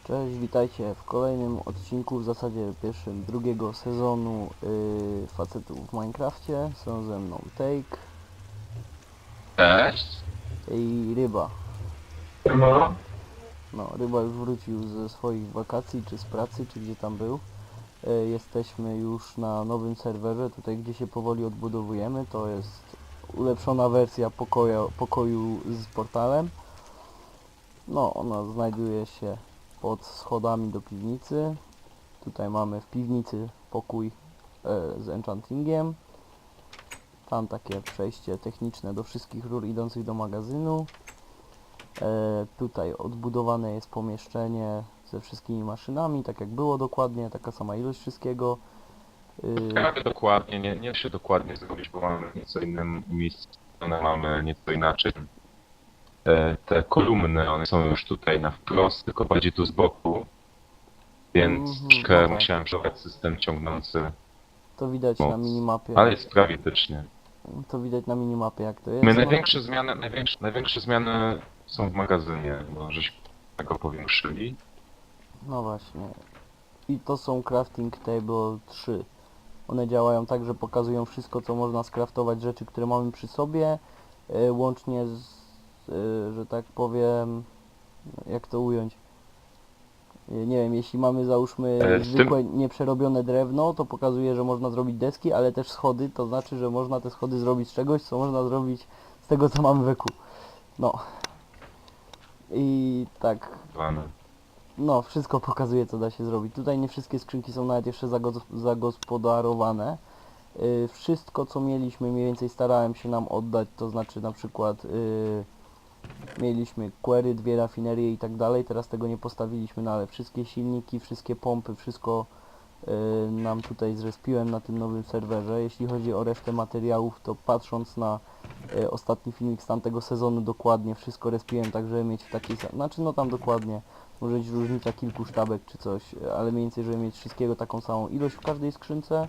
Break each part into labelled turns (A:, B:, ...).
A: Cześć, witajcie w kolejnym odcinku, w zasadzie pierwszym drugiego sezonu Facetów w Minecrafcie. Są ze mną Take
B: Cześć.
A: i Ryba.
B: No.
A: No, Ryba już wrócił ze swoich wakacji, czy z pracy, czy gdzie tam był. Jesteśmy już na nowym serwerze, tutaj gdzie się powoli odbudowujemy. To jest ulepszona wersja pokoju z portalem. No, ona znajduje się pod schodami do piwnicy. Tutaj mamy w piwnicy pokój z enchantingiem. Tam takie przejście techniczne do wszystkich rur idących do magazynu. Tutaj odbudowane jest pomieszczenie ze wszystkimi maszynami, tak jak było dokładnie, taka sama ilość wszystkiego.
B: Prawie dokładnie, nie da się dokładnie zrobić, bo mamy nieco inne miejsce, mamy nieco inaczej. Te kolumny, one są już tutaj na wprost, tylko bardziej tu z boku. Więc troszkę
A: no tak.
B: musiałem przebrać system ciągnący
A: To widać
B: moc.
A: na minimapie.
B: Ale jest prawie etycznie.
A: To widać na minimapie jak to jest.
B: My
A: No,
B: największe zmiany są w magazynie, bo żeśmy tego powiększyli.
A: no właśnie. I to są crafting table 3. One działają tak, że pokazują wszystko, co można skraftować, rzeczy, które mamy przy sobie, łącznie z, że tak powiem, jak to ująć, nie wiem, jeśli mamy załóżmy zwykłe, nieprzerobione drewno, to pokazuje, że można zrobić deski, ale też schody, to znaczy, że można te schody zrobić z czegoś, co można zrobić z tego, co mamy w eku. No. I tak, no, wszystko pokazuje, co da się zrobić. Tutaj nie wszystkie skrzynki są nawet jeszcze zagospodarowane. Wszystko, co mieliśmy, mniej więcej starałem się nam oddać, to znaczy na przykład mieliśmy query, 2 rafinerie i tak dalej. Teraz tego nie postawiliśmy, no ale wszystkie silniki, wszystkie pompy, wszystko nam tutaj zrespiłem na tym nowym serwerze. Jeśli chodzi o resztę materiałów, to patrząc na ostatni filmik z tamtego sezonu, dokładnie wszystko respiłem, tak żeby mieć w takiej... Znaczy no tam dokładnie, może być różnica kilku sztabek czy coś, ale mniej więcej, żeby mieć wszystkiego taką samą ilość w każdej skrzynce.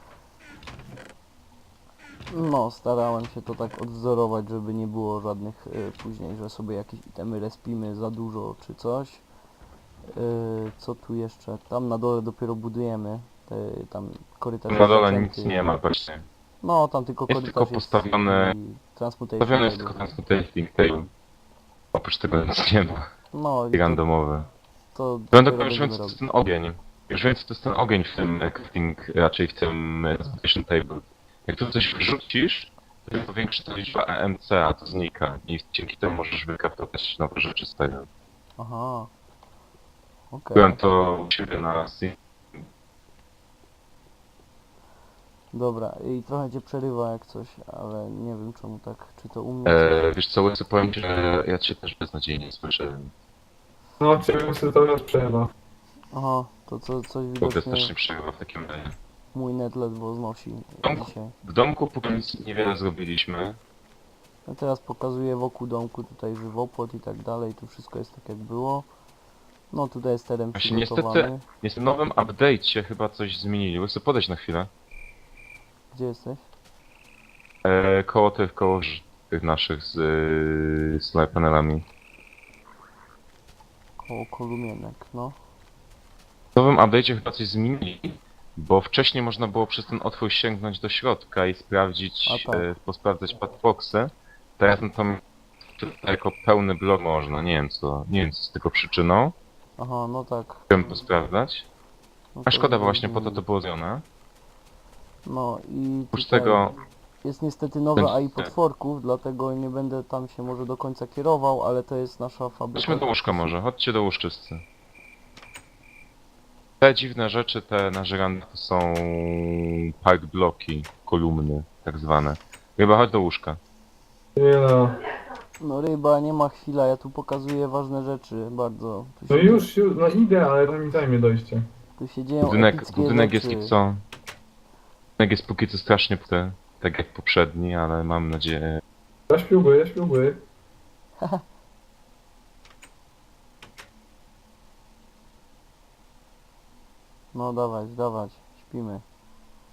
A: No, starałem się to tak odwzorować, żeby nie było żadnych później, że sobie jakieś itemy respimy za dużo czy coś. Co tu jeszcze? Tam na dole dopiero budujemy. Tam korytarz
B: Na
A: jest
B: dole
A: zacięty.
B: nic nie ma właśnie.
A: No, tam tylko
B: Jest
A: korytarz
B: tylko postawione,
A: i transmutation
B: postawiony jest
A: table.
B: tylko transmuting table. Oprócz tego nic nie ma.
A: No,
B: I
A: i
B: randomowe.
A: to
B: Będę
A: dopiero
B: już
A: będziemy
B: wiem, co to
A: robić.
B: jest ten ogień. Już wiem, co to jest ten ogień w tym crafting, raczej w tym transmutation table. Jak tu coś wrzucisz, to tym powiększy ta liczba EMC, a to znika. I dzięki temu możesz wykraftować nowe rzeczy z tego.
A: Aha. Okej.
B: Byłem to u siebie na Steam.
A: Dobra, i trochę cię przerywa jak coś, ale nie wiem czemu tak, czy to u mnie
B: Wiesz co, Łysy, powiem ci, że ja cię też beznadziejnie słyszę.
C: No, ciebie sobie to już przejeba.
A: Aha, to coś
B: W ogóle
A: widocznie
B: strasznie przerywa w takim razie.
A: mój net ledwo znosi dzisiaj.
B: W domku póki nic niewiele zrobiliśmy.
A: No teraz pokazuję wokół domku tutaj żywopłot i tak dalej, tu wszystko jest tak jak było. No tutaj jest teren
B: Właśnie
A: przygotowany.
B: niestety w nowym update'cie chyba coś zmienili. Łysy, podejdź na chwilę.
A: Gdzie jesteś?
B: Koło tych naszych z solar panelami.
A: Koło kolumienek, no.
B: W nowym update'cie chyba coś zmienili, bo wcześniej można było przez ten otwór sięgnąć do środka i sprawdzić,
A: A tak.
B: posprawdzać padboxy. Teraz no tam jako pełny blok można, nie wiem co z tego przyczyną.
A: Aha, no tak.
B: Chciałem posprawdzać.
A: No
B: A szkoda, bo
A: to
B: właśnie po to było zrobione.
A: No i
B: Oprócz
A: tutaj
B: tego
A: jest niestety nowe
B: będzie-
A: AI potworków, dlatego nie będę tam się może do końca kierował, ale to jest nasza fabryka.
B: chodźmy do łóżka może, chodźcie do łóżczysty. Te dziwne rzeczy, te na żyrandach to są park bloki, kolumny tak zwane. Chyba chodź do łóżka.
C: Nie no.
A: No ryba, nie ma chwila, ja tu pokazuję ważne rzeczy, bardzo. Tu
C: No
A: się,
C: już, no idę, ale to mi zajmie dojście.
A: tu się dzieją epickie
B: Budynek
A: rzeczy.
B: jest co? Budynek jest póki co strasznie puty, tak jak poprzedni, ale mam nadzieję...
C: Ja śpiłby, ja śpiłby.
A: No dawać, dawać, śpimy.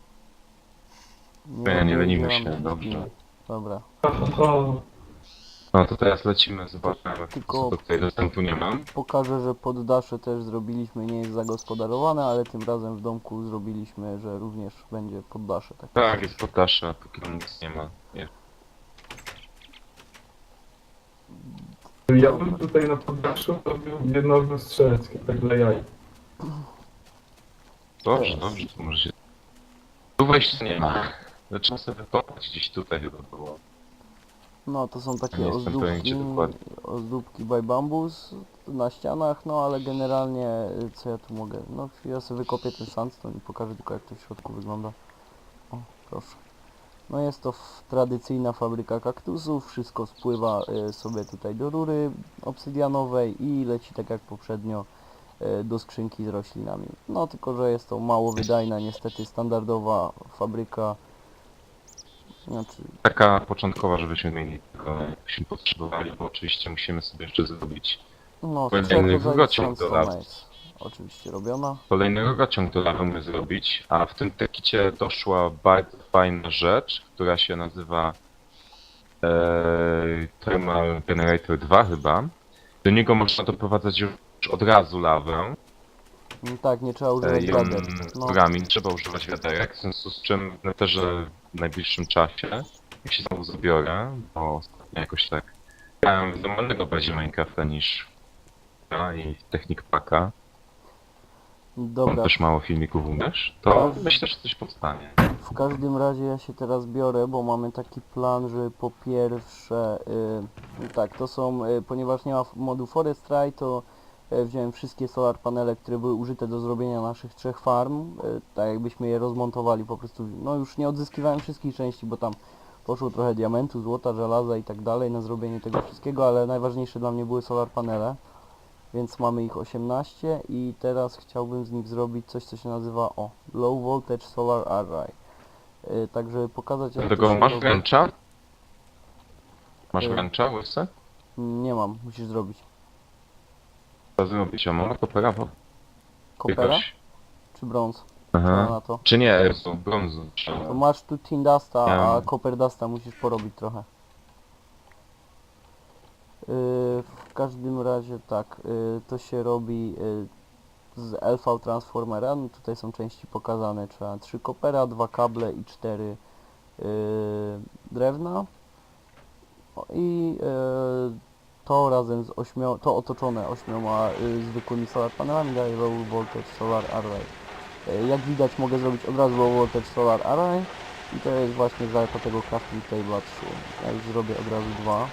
B: Ja nie lenimy się,
A: rozdzielamy,
B: dobrze.
A: śpimy. Dobra.
C: Ha, ha, ha.
B: No to teraz lecimy, zobaczymy,
A: Tylko-
B: co tutaj dostępu nie mam.
A: Pokażę, że poddasze też zrobiliśmy, nie jest zagospodarowane, ale tym razem w domku zrobiliśmy, że również będzie poddasze. Tak.
B: Tak, jest poddasze, a póki tam nic nie ma. Nie.
C: Ja bym tutaj na poddaszu robił jedno ognisko strzeleckie, tak dla jaj.
B: Dobrze,
A: Teraz.
B: dobrze, to może się... Tu wejścia nie ma. Zaczynam sobie wykopać, gdzieś tutaj chyba było.
A: No to są takie
B: Nie jestem pewien,
A: ozdóbki,
B: gdzie dokładnie.
A: ozdóbki by bambus na ścianach, no ale generalnie co ja tu mogę, no ja sobie wykopię ten sandstone i pokażę tylko jak to w środku wygląda. O, proszę. No jest to tradycyjna fabryka kaktusów, wszystko spływa sobie tutaj do rury obsydianowej i leci tak jak poprzednio do skrzynki z roślinami. No tylko, że jest to mało wydajna, niestety standardowa fabryka. Znaczy,
B: Taka początkowa, żebyśmy mieli tego, jakbyśmy potrzebowali, bo oczywiście musimy sobie jeszcze zrobić
A: no z
B: Kolejny
A: trzech rodzajów
B: rurociąg do
A: sandstone'a
B: lawy.
A: jest oczywiście robiona.
B: kolejny rurociąg do lawy my zrobić, a w tym tekicie doszła bardzo fajna rzecz, która się nazywa Thermal Generator 2 chyba. Do niego można doprowadzać już od razu lawę
A: Tak, nie trzeba używać
B: i
A: wiader. No,
B: rurami, nie trzeba używać wiaderek, w związku z czym w neterze w najbliższym czasie, jak się znowu zabiorę, bo ostatnio jakoś tak grałem w normalnego bardziej Minecrafta niż i Technik Packa. Mam
A: dobra.
B: też mało filmików umiesz, to
A: Tak.
B: myślę, że coś powstanie.
A: W każdym razie ja się teraz biorę, bo mamy taki plan, że po pierwsze, tak, to są, ponieważ nie ma modu Forestry, to wziąłem wszystkie solar panele, które były użyte do zrobienia naszych 3 farm, tak jakbyśmy je rozmontowali po prostu, no już nie odzyskiwałem wszystkich części, bo tam poszło trochę diamentu, złota, żelaza i tak dalej na zrobienie tego wszystkiego, ale najważniejsze dla mnie były solar panele. Więc mamy ich 18 i teraz chciałbym z nich zrobić coś, co się nazywa Low Voltage Solar Array. Tak, żeby pokazać jak to
B: Dlatego
A: się
B: masz
A: robi.
B: wręcza? Masz
A: Y.
B: wręcza, łysy?
A: Nie mam, musisz zrobić.
B: Co zrobić? A mam kopera, bo
A: Kopera
B: jakoś...
A: czy brąz? Co
B: Aha.
A: na to?
B: Czy nie, Jezu, brązu.
A: To masz tu Tin Dusta,
B: Ja
A: a
B: mam.
A: Copper Dusta musisz porobić trochę. W każdym razie tak, to się robi z LV Transformera, no tutaj są części pokazane, trzeba 3 kopera, 2 kable i 4 drewna. I to razem z to otoczone 8 zwykłymi solar panelami daje Low Voltage Solar Array. Jak widać mogę zrobić od razu Low Voltage Solar Array i to jest właśnie zaleta tego Crafting Table 3. Ja już zrobię od razu 2.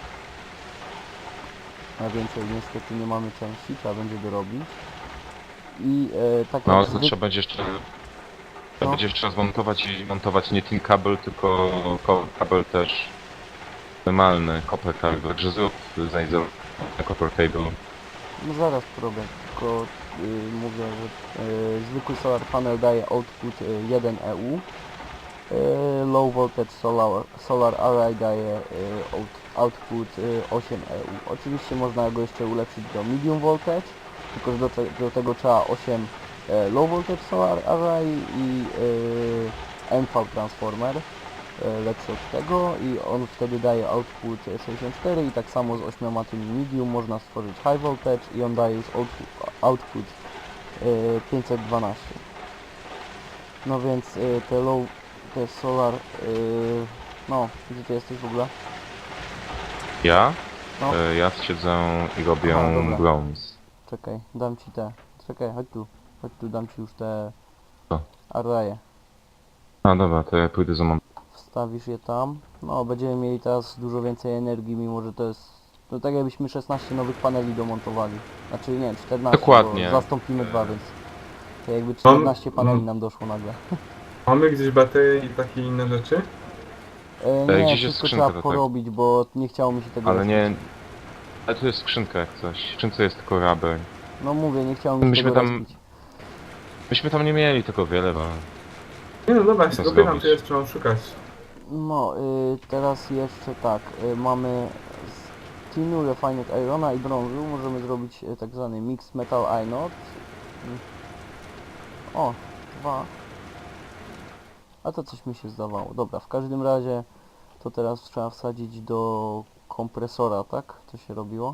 A: Na więcej niestety nie mamy części, trzeba będzie dorobić. I tak
B: No,
A: jak
B: to trzeba będzie jeszcze... Trzeba będzie jeszcze raz montować i montować nie tin kabel, tylko kabel też normalny, copper cable, także zrób znajdę copper cable.
A: No zaraz porobię, tylko mówię, że zwykły solar panel daje output 1 EU, low voltage solar array daje output 8 EU. Oczywiście można go jeszcze ulepszyć do medium voltage, tylko że do tego trzeba 8 low voltage solar array i MV transformer lepszy od tego i on wtedy daje output 64 i tak samo z 8 tymi medium można stworzyć high voltage i on daje już output 512. No więc te solar, no gdzie ty jesteś w ogóle?
B: Ja?
A: No.
B: Ja siedzę i robię
A: Aha, dobra.
B: brąz.
A: Czekaj, dam ci te, czekaj, chodź tu, dam ci już te
B: Co?
A: arraye.
B: A dobra, to ja pójdę za mam.
A: Wstawisz je tam. No, będziemy mieli teraz dużo więcej energii, mimo że to jest... No tak jakbyśmy 16 nowych paneli domontowali. Znaczy nie, 14,
B: Dokładnie.
A: bo zastąpimy 2, więc... To jakby 14 paneli nam doszło nagle.
C: Mamy gdzieś baterie i takie inne rzeczy?
A: Nie,
B: gdzieś jest
A: wszystko
B: skrzynka
A: trzeba
B: do tego.
A: porobić, bo nie chciało mi się tego
B: Ale nie...
A: respić.
B: Ale tu jest skrzynka jak coś. W skrzynce jest tylko rabel.
A: No mówię, nie chciało mi się
B: Myśmy
A: tego
B: tam-
A: respić.
B: Myśmy tam nie mieli tego wiele, bo...
C: Nie no dobra, ja się
B: Co
C: dopytam,
B: zrobić?
C: czy jeszcze mam szukać.
A: No, teraz jeszcze tak, mamy z tinu, refined irona i brązu możemy zrobić tak zwany mixed metal inot. O, 2. A to coś mi się zdawało. Dobra, w każdym razie to teraz trzeba wsadzić do kompresora, tak? To się robiło?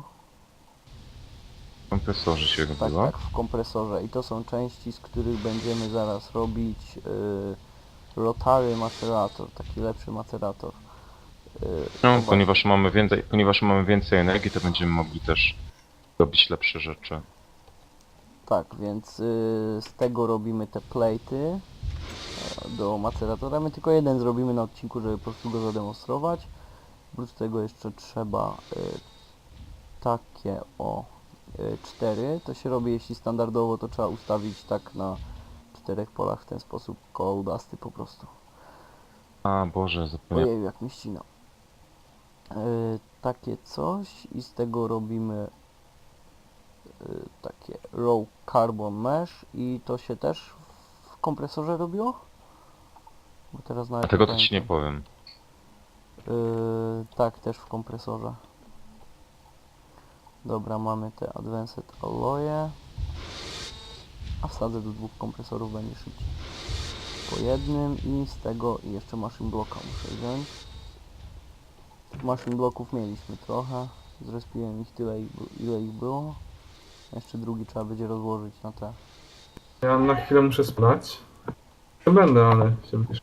B: W kompresorze się
A: Tak,
B: robiło.
A: tak, w kompresorze. I to są części, z których będziemy zaraz robić rotary macerator, taki lepszy macerator.
B: No,
A: O właśnie.
B: ponieważ mamy więcej energii, to będziemy mogli też robić lepsze rzeczy.
A: Tak, więc z tego robimy te plate'y do maceratora. My tylko jeden zrobimy na odcinku, żeby po prostu go zademonstrować. Oprócz tego jeszcze trzeba takie o 4. To się robi, jeśli standardowo, to trzeba ustawić tak na 4 polach w ten sposób, koło udasty po prostu.
B: A Boże, zapomniałem.
A: Ojej, jak mi ścina. Takie coś i z tego robimy takie raw carbon mesh i to się też w kompresorze robiło? Bo teraz
B: A
A: nawet
B: tego to ci nie
A: pamiętam.
B: powiem.
A: Tak, też w kompresorze. Dobra, mamy te Advanced Alloye. A wsadzę do 2 kompresorów, będzie szybciej. Po jednym i z tego i jeszcze machine blocka muszę wziąć. Machine blocków mieliśmy trochę. Zrespiłem ich tyle, ile ich było. Jeszcze drugi trzeba będzie rozłożyć na te.
C: Ja na chwilę muszę spać. Nie będę, ale się wypiszę.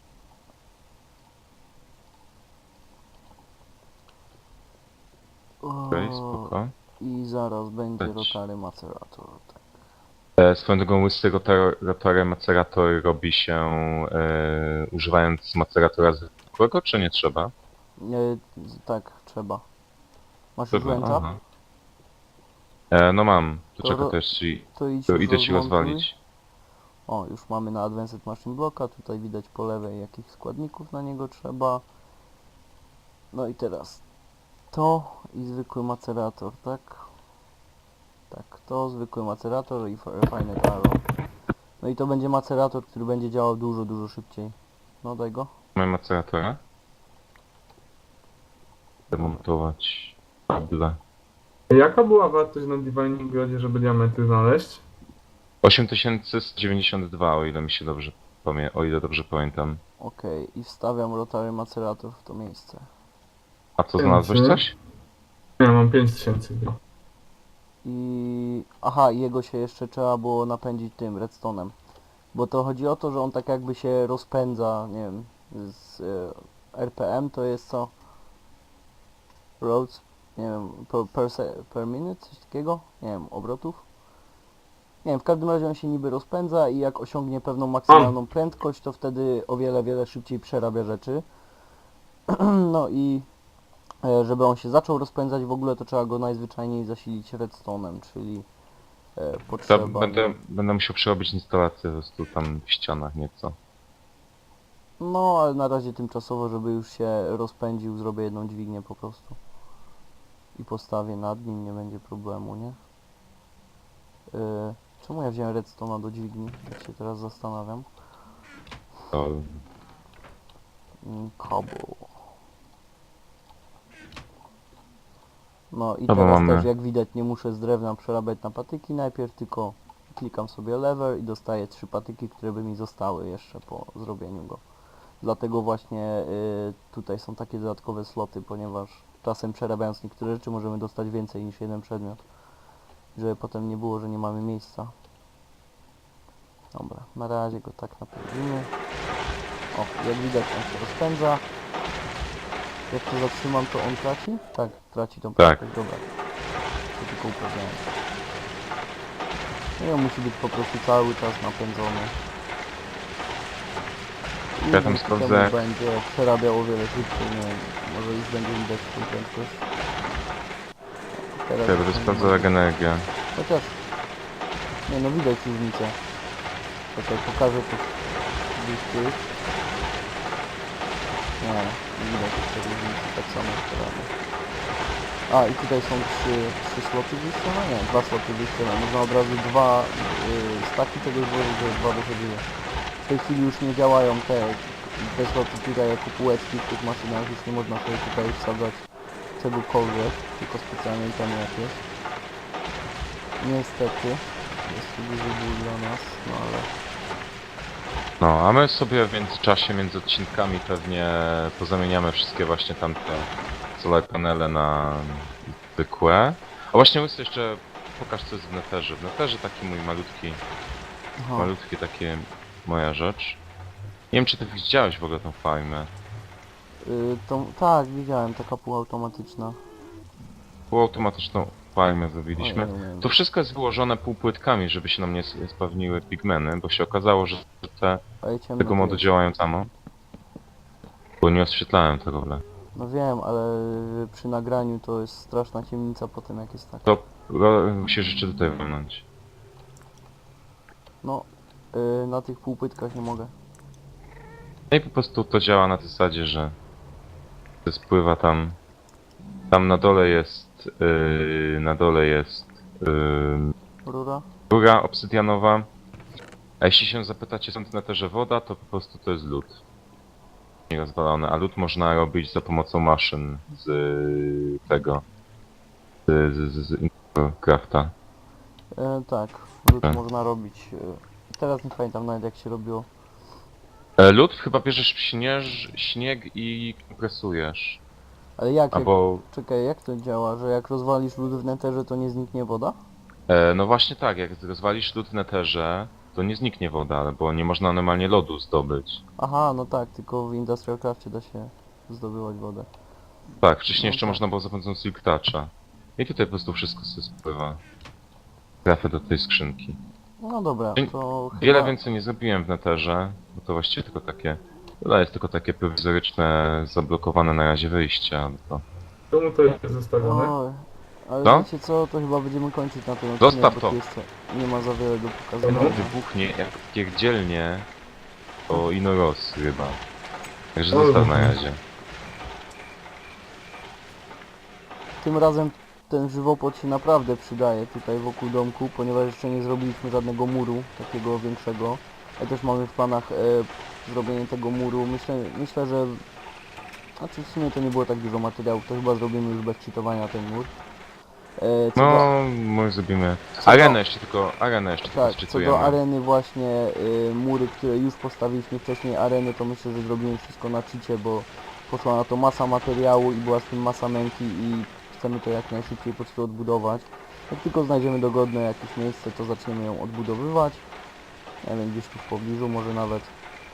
B: Okej, spoko.
A: I zaraz będzie
B: Leć.
A: rotary macerator. Tak.
B: Swoją drogą łysy rotor macerator robi się używając maceratora zwykłego, czy nie trzeba?
A: Tak, trzeba. Masz już
B: Trzeba,
A: ręcza?
B: aha. No mam, to
A: To
B: czekaj
A: ro-
B: też ci,
A: To idź
B: to
A: już
B: idę ci
A: rozmontuj.
B: rozwalić.
A: O, już mamy na Advanced Machine Blocka, tutaj widać po lewej jakich składników na niego trzeba. No i teraz to i zwykły macerator, tak? Tak, to zwykły macerator i Refined Arrow. No i to będzie macerator, który będzie działał dużo, dużo szybciej. No daj go.
B: Mamy maceratora. Demontować kable.
C: Jaka była wartość na Divining Grodzie, żeby diamenty znaleźć?
B: 8192, o ile mi się dobrze o ile dobrze pamiętam.
A: Okej, i wstawiam rotary macerator w to miejsce.
B: A co, znalazłeś coś?
C: Ja mam 5000.
A: I... Aha, jego się jeszcze trzeba było napędzić tym redstone'em. Bo to chodzi o to, że on tak jakby się rozpędza, nie wiem, z RPM to jest co? Roads? Nie wiem, per minute? Coś takiego? Nie wiem, obrotów? Nie wiem, w każdym razie on się niby rozpędza i jak osiągnie pewną maksymalną prędkość, to wtedy o wiele, wiele szybciej przerabia rzeczy. No i żeby on się zaczął rozpędzać w ogóle, to trzeba go najzwyczajniej zasilić redstone'em, czyli
B: To
A: potrzeba...
B: będę musiał przerobić instalację po prostu tam w ścianach nieco.
A: No, ale na razie tymczasowo, żeby już się rozpędził, zrobię jedną dźwignię po prostu. I postawię nad nim, nie będzie problemu, nie? Czemu ja wziąłem redstone'a do dźwigni? Tak się teraz zastanawiam.
B: To
A: Cobble. No i
B: Dobra,
A: teraz
B: mamy.
A: też jak widać nie muszę z drewna przerabiać na patyki najpierw, tylko klikam sobie lever i dostaję 3 patyki, które by mi zostały jeszcze po zrobieniu go. Dlatego właśnie tutaj są takie dodatkowe sloty, ponieważ czasem przerabiając niektóre rzeczy możemy dostać więcej niż jeden przedmiot. Żeby potem nie było, że nie mamy miejsca. Dobra, na razie go tak napędzimy. O, jak widać on się rozpędza. Jak to zatrzymam, to on traci? Tak, traci tą
B: Tak.
A: prędkość, dobra. To tylko upewniałem. No i on musi być po prostu cały czas napędzony. I
B: Ja tam
A: dzięki
B: sprawdzę,
A: temu
B: jak-
A: będzie przerabiał o wiele szybciej, nie wiem, może już będzie widać tą prędkość. Teraz
B: ja będę
A: już nie
B: sprawdzał
A: ma.
B: jak energię.
A: Chociaż... Nie no, widać różnicę. Czekaj, pokażę to gdzieś tu. Nie widać jeszcze różnicy, tak samo jak teraz. A i tutaj są trzy sloty wyjściowe? Nie, 2 sloty wyjściowe. Można od razu 2 staki tego złożyć, żeby 2 wychodziły. W tej chwili już nie działają te sloty tutaj jako półeczki w tych maszynach. Już nie można sobie tutaj wsadzać czegokolwiek, tylko specjalnie tam jakieś. Niestety. Jest to duży ból dla nas, no ale...
B: No, a my sobie w międzyczasie, między odcinkami pewnie pozamieniamy wszystkie właśnie tamte solar panele na zwykłe. A właśnie Łysy, jeszcze pokaż co jest w Netherze. W Netherze taki mój malutki,
A: Aha.
B: malutkie takie moja rzecz. Nie wiem czy ty widziałeś w ogóle tą farmę.
A: Tak, widziałem, taka półautomatyczna.
B: Półautomatyczną farmę zrobiliśmy.
A: Ojej.
B: To wszystko jest wyłożone półpłytkami, żeby się nam nie spawniły pigmeny, bo się okazało, że te
A: Ale ciemno
B: tego
A: tu
B: modu
A: jest.
B: działają samo. Bo nie oświetlałem tego w ogóle.
A: No wiem, ale przy nagraniu to jest straszna ciemnica potem jak jest tak.
B: To musisz jeszcze tutaj walnąć.
A: No, na tych półpytkach nie mogę.
B: No i po prostu to działa na tej zasadzie, że spływa tam. Tam na dole jest
A: Rura?
B: rura obsydianowa. A jeśli się zapytacie, są w Netherze woda, to po prostu to jest lód. Nierozwalony, a lód można robić za pomocą maszyn z tego. Z Crafta.
A: Tak, lód
B: Tak.
A: można robić. Teraz nie pamiętam nawet jak się robiło.
B: Lód chyba bierzesz śnieg i kompresujesz.
A: Ale jak,
B: Albo...
A: czekaj, jak to działa, że jak rozwalisz lód w neterze to nie zniknie woda?
B: No właśnie tak, jak rozwalisz lód w Netherze, to nie zniknie woda, bo nie można normalnie lodu zdobyć.
A: Aha, no tak, tylko w Industrial Crafcie da się zdobywać wodę.
B: Tak, wcześniej
A: No
B: jeszcze
A: tak.
B: można było za pomocą Silk Toucha. I tutaj po prostu wszystko sobie spływa. Trafię do tej skrzynki.
A: No dobra,
B: Czyli
A: to
B: Wiele
A: chyba...
B: więcej nie zrobiłem w Netherze, bo to właściwie tylko takie... To jest tylko takie prowizoryczne, zablokowane na razie wyjścia. To...
C: Czemu to jest zostawione?
A: Oj, ale
B: Co?
A: wiecie co, to chyba będziemy kończyć na tym odcinku,
B: Zostaw
A: bo
B: to.
A: tu jeszcze nie ma za wiele do
B: To
A: pokazania.
B: wybuchnie jak pierdzielnie o Inoros chyba. Także
C: Oj.
B: zostaw na razie.
A: Tym razem ten żywopłot się naprawdę przydaje tutaj wokół domku, ponieważ jeszcze nie zrobiliśmy żadnego muru takiego większego. Ja też mamy w planach zrobienie tego muru. Myślę, że... Znaczy w sumie to nie było tak dużo materiałów, to chyba zrobimy już bez cheatowania ten mur. Co do,
B: No, może zrobimy...
A: co
B: Arenę
A: do-
B: jeszcze tylko,
A: tak, co
B: zczytujemy.
A: do areny właśnie, mury, które już postawiliśmy wcześniej areny, to myślę, że zrobimy wszystko na cheacie, bo poszła na to masa materiału i była z tym masa męki i chcemy to jak najszybciej po prostu odbudować. Jak tylko znajdziemy dogodne jakieś miejsce, to zaczniemy ją odbudowywać. Nie wiem, gdzieś tu w pobliżu może nawet.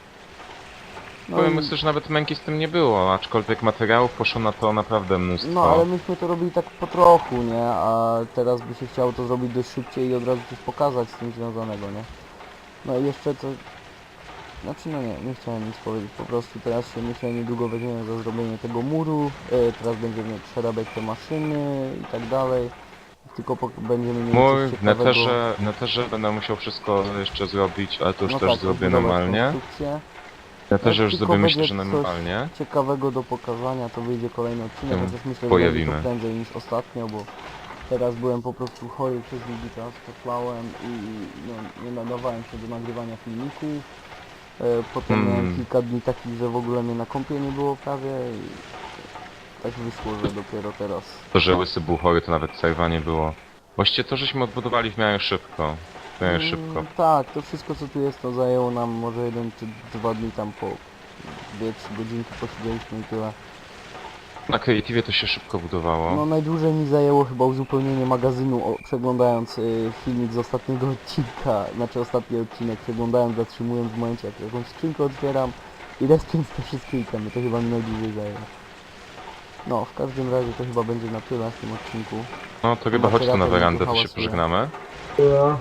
B: Powiem,
A: i-
B: myślę, że nawet męki z tym nie było, aczkolwiek materiałów poszło na to naprawdę mnóstwo.
A: No ale myśmy to robili tak po trochu, nie? A teraz by się chciało to zrobić dość szybciej i od razu coś pokazać z tym związanego, nie? No i jeszcze to... Znaczy no nie chciałem nic powiedzieć, po prostu teraz się myślę niedługo weźmiemy za zrobienie tego muru, teraz będziemy przerabiać te maszyny i tak dalej. Tylko będziemy mieli
B: Mój
A: coś
B: w
A: ciekawego.
B: neterze będę musiał wszystko jeszcze zrobić, ale to już
A: No
B: też
A: tak,
B: zrobię
A: odbudować
B: normalnie.
A: konstrukcję.
B: W neterze już
A: tylko
B: zrobię myślę,
A: będzie
B: że
A: coś
B: normalnie.
A: ciekawego do pokazania, to wyjdzie kolejny odcinek,
B: Ją
A: chociaż myślę, że
B: pojawimy.
A: będzie to prędzej niż ostatnio, bo teraz byłem po prostu chory przez długi czas, potlałem i no, nie nadawałem się do nagrywania filmików. Potem miałem kilka dni takich, że w ogóle mnie na kąpie nie było prawie i tak wyszło, że dopiero teraz.
B: To, że Łysy był chory, to nawet serwa nie było. Właściwie to, żeśmy odbudowali w miarę szybko. W miarę szybko.
A: Tak, to wszystko co tu jest, to zajęło nam może 1 czy 2 dni, tam po 2-3 godzinki posiedzieliśmy i tyle.
B: Na Creative to się szybko budowało.
A: No najdłużej mi zajęło chyba uzupełnienie magazynu, przeglądając filmik z ostatniego odcinka, znaczy ostatni odcinek, przeglądając, zatrzymując w momencie jak jakąś skrzynkę otwieram i respiąc te wszystkie itemy, to chyba mi najdłużej zajęło. No, w każdym razie to chyba będzie na tyle w tym odcinku.
B: No to chyba chodź tu na
A: Materator mi
B: werandę,
A: tu
B: to się
A: hałasuje.
B: pożegnamy.
C: Ja.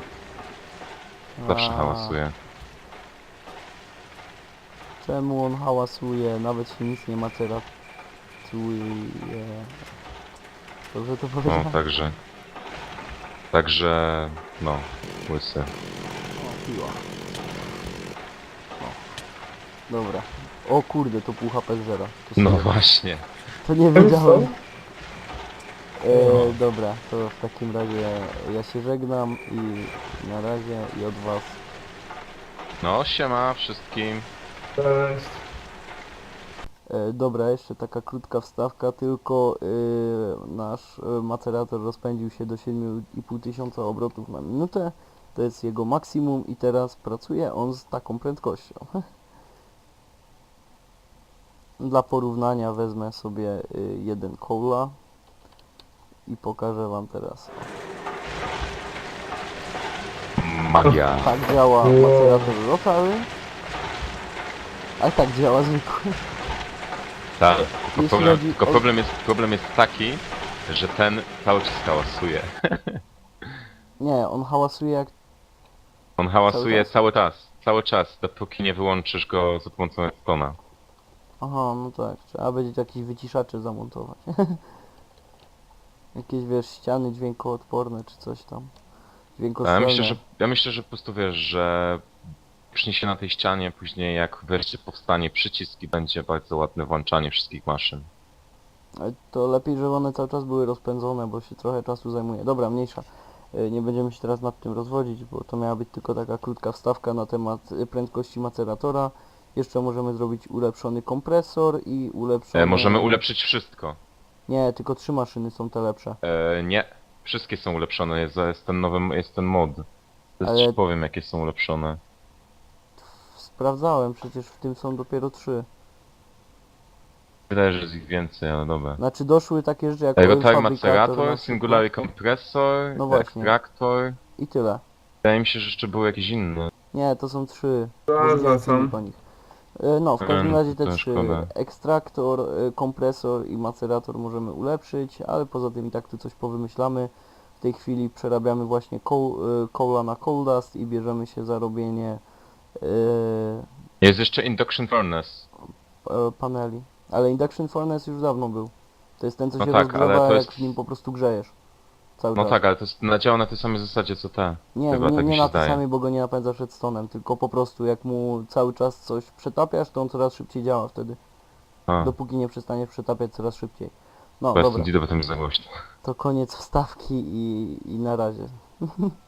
B: Zawsze
A: A,
B: hałasuje.
A: Czemu on hałasuje? Nawet się nic nie maceratuje. Dobrze to
B: No,
A: powiedziałem?
B: Także, no, Łysy.
A: O, piła. O. Dobra. O kurde, to pół HP zera. To
B: No
A: sorry.
B: właśnie.
A: To nie
C: Ten
A: wiedziałem.
B: No.
A: Dobra, to w takim razie ja się żegnam i na razie i od was.
B: No, siema wszystkim.
C: Cześć.
A: Dobra, jeszcze taka krótka wstawka, tylko nasz macerator rozpędził się do 7500 obrotów na minutę. To jest jego maksimum i teraz pracuje on z taką prędkością. Dla porównania wezmę sobie jeden cola i pokażę wam teraz.
B: Magia.
A: Tak działa
C: Wow.
A: macerator lokały, a tak działa zwykły.
B: Tak,
A: Jeśli chodzi
B: tylko
A: o-
B: problem jest taki, że ten cały czas hałasuje.
A: Nie, on hałasuje jak...
B: On hałasuje
A: Cały
B: cały czas, dopóki nie wyłączysz go za pomocą redstone'a.
A: Aha, no tak, trzeba będzie jakieś wyciszacze zamontować. Jakieś, wiesz, ściany dźwiękoodporne czy coś tam.
B: Ja
A: Dźwiękostrzelne.
B: myślę, że po prostu wiesz, że przy się na tej ścianie, później jak wreszcie powstanie przycisk i będzie bardzo ładne włączanie wszystkich maszyn.
A: Ale to lepiej, żeby one cały czas były rozpędzone, bo się trochę czasu zajmuje. Dobra, mniejsza. Nie będziemy się teraz nad tym rozwodzić, bo to miała być tylko taka krótka wstawka na temat prędkości maceratora. Jeszcze możemy zrobić ulepszony kompresor i ulepszony...
B: Możemy ulepszyć wszystko.
A: Nie, tylko 3 maszyny są te lepsze.
B: Nie, wszystkie są ulepszone, jest ten mod. Teraz
A: Ale-
B: ci powiem jakie są ulepszone.
A: Sprawdzałem, przecież w tym są dopiero 3.
B: Wydaje, że jest ich więcej, ale dobra.
A: Znaczy doszły takie rzeczy jak oil
B: Rotor
A: fabrikator na
B: macerator,
A: przykład.
B: singulary kompresor,
A: No właśnie.
B: ekstraktor.
A: I tyle.
B: Wydaje mi się, że jeszcze były jakieś inne.
A: Nie, to są 3.
C: Zaznacam.
A: Po nich. No, w każdym razie te
B: to
A: 3.
B: szkoda.
A: Ekstraktor, kompresor i macerator możemy ulepszyć, ale poza tym i tak tu coś powymyślamy. W tej chwili przerabiamy właśnie coala na coal dust i bierzemy się za robienie
B: Jest jeszcze induction furnace.
A: paneli. Ale induction furnace już dawno był. To jest ten, co
B: No
A: się
B: tak, ale
A: rozgrzewa,
B: to
A: jak
B: jest-
A: w nim po prostu grzejesz. Cały
B: No
A: czas.
B: tak, ale to jest, działa na tej samej zasadzie co te.
A: Nie,
B: Chyba
A: nie,
B: tak mi
A: nie
B: się
A: na tej
B: zdaje.
A: samej, bo go nie napędzasz redstone'em, tylko po prostu jak mu cały czas coś przetapiasz, to on coraz szybciej działa wtedy.
B: A,
A: Dopóki nie przestaniesz przetapiać coraz szybciej. No
B: bo ja
A: dobra,
B: stąd idę, bo tam jest za głośno.
A: to koniec wstawki i na razie.